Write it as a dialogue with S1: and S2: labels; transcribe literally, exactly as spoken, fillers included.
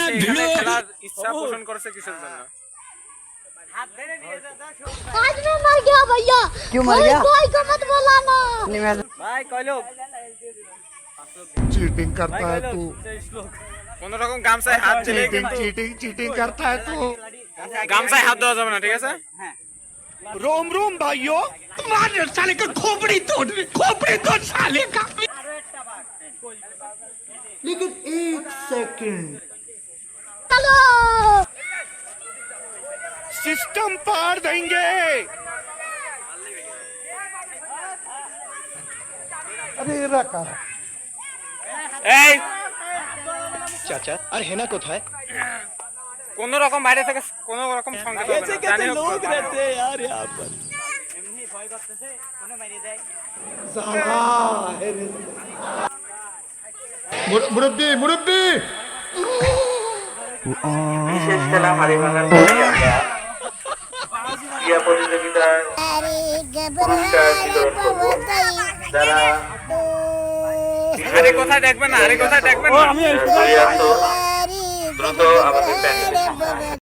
S1: এখানে খেলার ইচ্ছা পোষণ করেছে কিসের জন্য?
S2: आज मैं मर गया भैया।
S3: क्यों मर गया?
S2: कोई को मत बुलाना।
S3: नहीं मैं
S1: ভাই কয় লোক?
S4: चीटिंग करता है तू
S1: কোন রকম গামছায় হাত দিলে
S4: चीटिंग
S1: কিন্তু
S4: चीटिंग चीटिंग करता है तू
S1: গামছায় হাত দেওয়া যাবে না, ঠিক আছে?
S4: रोम रोम भाइयों मार साले का खोपड़ी तोड़ खोपड़ी तोड़ साले का लेकिन एक सेकंड
S2: चलो।
S4: सिस्टम पार देंगे अरे रखा
S1: এই
S4: चाचा अरे है ना कोথায়
S1: কোন রকম বাইরে থেকে কোন রকম সংকেত হবে না, জানি হোক লোক रहते
S4: यार यहां पर
S3: এমনি ভয় করতেছে কোনে মারি দেয়
S4: साला मुरब्बी मुरब्बी
S5: বিশেষ খেলা হারিমানার পরে আমরা ক্রীড়া প্রতিযোগিতার পুরস্কার বিতরণ করব। যারা
S1: আরে কোথায় দেখবেন না, আরে কোথায় দেখবেন না।
S5: দ্রুত আমাদের প্যানেলে